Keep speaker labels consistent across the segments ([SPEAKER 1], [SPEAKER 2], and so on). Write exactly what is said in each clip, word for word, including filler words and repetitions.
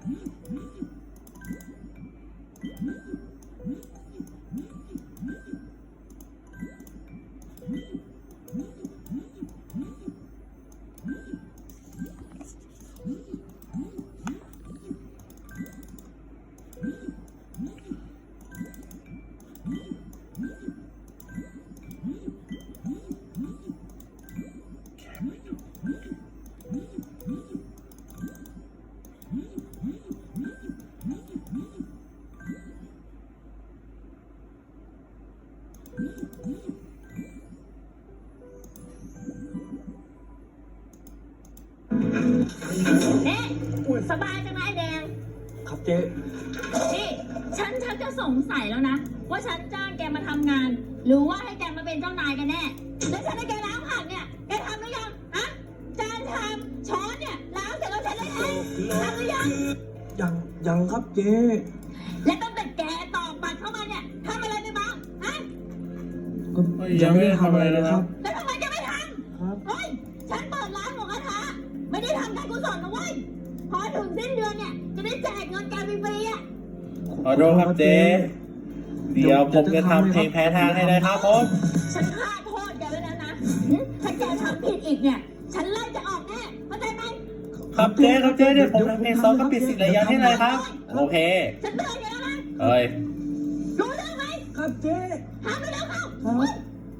[SPEAKER 1] เนี่ยสบายจังนะไอ้แดง
[SPEAKER 2] ครับเจ๊
[SPEAKER 1] นี่ฉันชักจะสงสัยแล้วนะว่าฉันจ้างแกมาทำงานหรือว่าให้แกมาเป็นเจ้านายกันแน่แล้วฉันให้แกล้างผักเนี่ยแกทำหรือยังฮะจานชามช้อนเนี่ยล้างเสร็จแล้วฉันได้ไหมทำหรือยัง
[SPEAKER 2] ยังยังครับเจ๊
[SPEAKER 1] และตั้งแต่แกตอกบัตรเข้ามาเนี่ยทำอะไรไปบ้างฮะ
[SPEAKER 2] ก็ยังไม่ได้ทำอะไรเลยครับ
[SPEAKER 1] แล้วทำไมแกไม่ทำครับเฮ้ยฉันเปิดร้านหมูกระทะไม่ได้ทำการกุศลนะเว้ยพอถึงสิ้นเดือนเนี่ยจะได้แจกเงินแกฟรีๆอ่ะ
[SPEAKER 3] ขอโทษครับเจ๊เดี๋ยวผมจะทำเพลงแพ้ทางให้นะครับผม
[SPEAKER 1] ฉันฆ่าโทษแกไว้แล้วนะถ้าแกทำผิดอีกเนี่ยฉันไล่จะออกแน่เข้าใจไหม
[SPEAKER 3] ครับเจ๊ครับเจ๊เดี๋ยวผมทำเพลงซ้อมกับปิดสิทธิ์ระยะให้เลยครับโอเค
[SPEAKER 1] ฉันเตือนแกแล้วนะ
[SPEAKER 3] เฮ้ย
[SPEAKER 1] รู้เรื่องไหม
[SPEAKER 2] ครับเจ๊
[SPEAKER 1] ทำไปแล้วเข้า
[SPEAKER 2] ครับ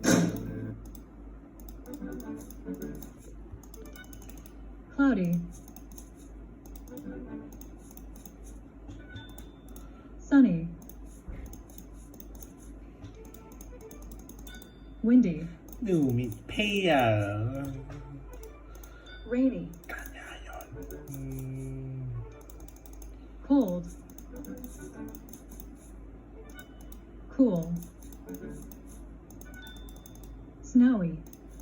[SPEAKER 4] Cloudy, sunny, windy,
[SPEAKER 3] ดูมีเพีย
[SPEAKER 4] rainy,
[SPEAKER 3] กันยายน
[SPEAKER 4] cold, cool, snowy,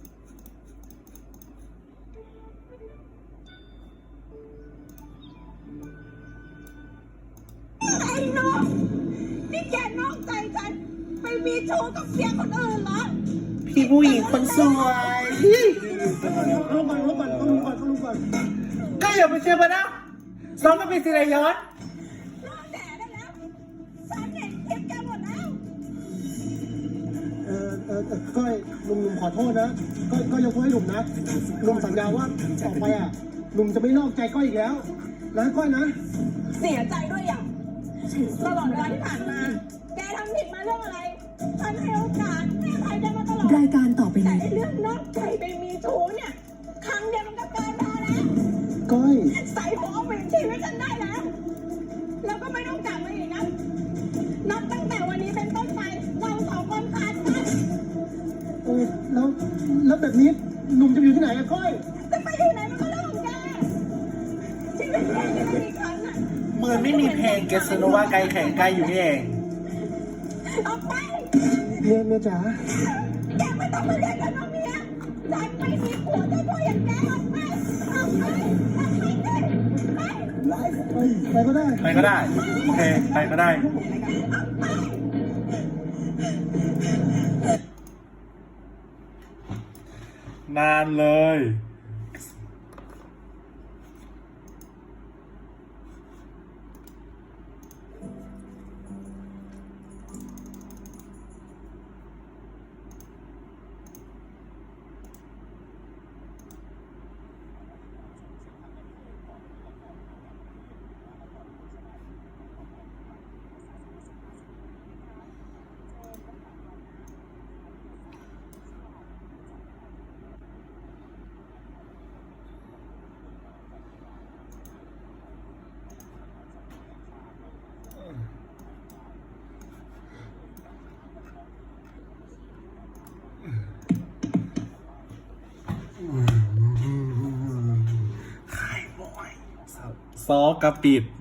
[SPEAKER 1] ไอ้น้องนี่แกนอกใจฉันไปมีชู้กับเสียคนอื่นเหรอ
[SPEAKER 3] พี่ผู้หญิงคนสวย
[SPEAKER 2] รู้ก่อนรู้ก่อนรู้ก่อนรู้ก่อน
[SPEAKER 3] ก็อย่าไปเชื่อมันนะซ้อมกับปิดสิทธิ์ระยะ
[SPEAKER 1] รอแดดได้แล้วฉันเห็นคลิปแกหมดแล้ว
[SPEAKER 2] เออเออเออก้อยลุงลุงขอโทษนะก้อยก้อยยกโทษให้ลุงนะลุงสัญญาว่าต่อไปอ่ะลุงจะไม่นอกใจก้อยอีกแล้วนะก้อยนะ
[SPEAKER 1] เสียใจด้วยอย่างตลอดเวลาที่ผ่านมาแกทำผิดมาเรื่องอะไรฉันให้โอกาสให้อภัยแกมาตลอด
[SPEAKER 5] รายการต่อไป
[SPEAKER 1] แต่
[SPEAKER 5] นี้
[SPEAKER 1] เรื่องนอกใจไปมีชู้เนี่ยครั้งเดียวมันก็เกินพอแล้ว
[SPEAKER 2] ก้อย
[SPEAKER 1] ใส่หัวเอาไปชีวิตฉันได้แล้วแล้วก็ไม่ต้องกลับมาอีกนะนับตั้งแต่วันนี้เป็นต้นไปเราสองคนขาดกัน
[SPEAKER 2] เออแล้วแล้วแบบนี้ลุงจะอยู่ที่ไหนอะก้อย
[SPEAKER 1] จะไปอยู่ไหนมันก็เรื่องของแกชีวิตแกยังไม่มีครั้งอ่ะ
[SPEAKER 3] เหมือนไม่มีเพลงเกสโนวาไกลแข่งไกลอยู่นี่เอง
[SPEAKER 1] ออกไป
[SPEAKER 2] เมียเมียจ๋า
[SPEAKER 1] แกไม่ต้องมาเรียกกันว่าเมียฉันไม่มีผัวเจ้าพ่ออย่างแกออกไปออกไปออกไปไป
[SPEAKER 2] ไปไปก็ได้
[SPEAKER 3] ไปก็ได้โอเคไปก็ได้นานเลยขายบ่อยซอกกระปิด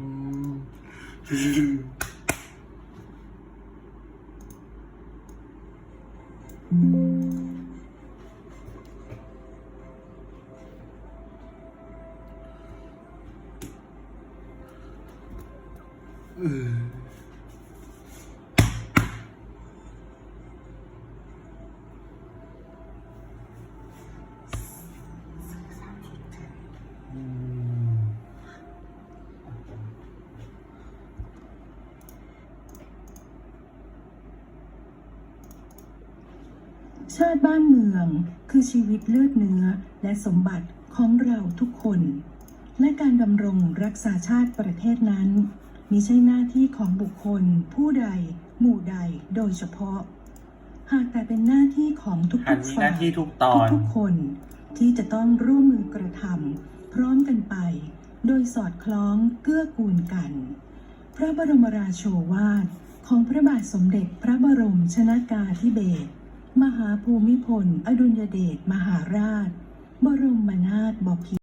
[SPEAKER 5] ชาติบ้านเมืองคือชีวิตเลือดเนื้อและสมบัติของเราทุกคน และการดำรงรักษาชาติประเทศนั้นมิใช่หน้าที่ของบุคคลผู้ใด หมู่ใดโดยเฉพาะ หากแต่เป็นหน้าที่ของทุ
[SPEAKER 3] อัน
[SPEAKER 5] กๆ
[SPEAKER 3] มีห
[SPEAKER 5] ฝ่า
[SPEAKER 3] น้าย ที่ทุกตอน
[SPEAKER 5] ทุกๆคนที่จะต้องร่วมมือกระทำพร้อมกันไป โดยสอดคล้องเกื้อกูลกัน พระบรมราโชวาทของพระบาทสมเด็จพระบรมชนกาธิเบศรมหาภูมิพลอดุลยเดชมหาราช บรมนาถบพิตร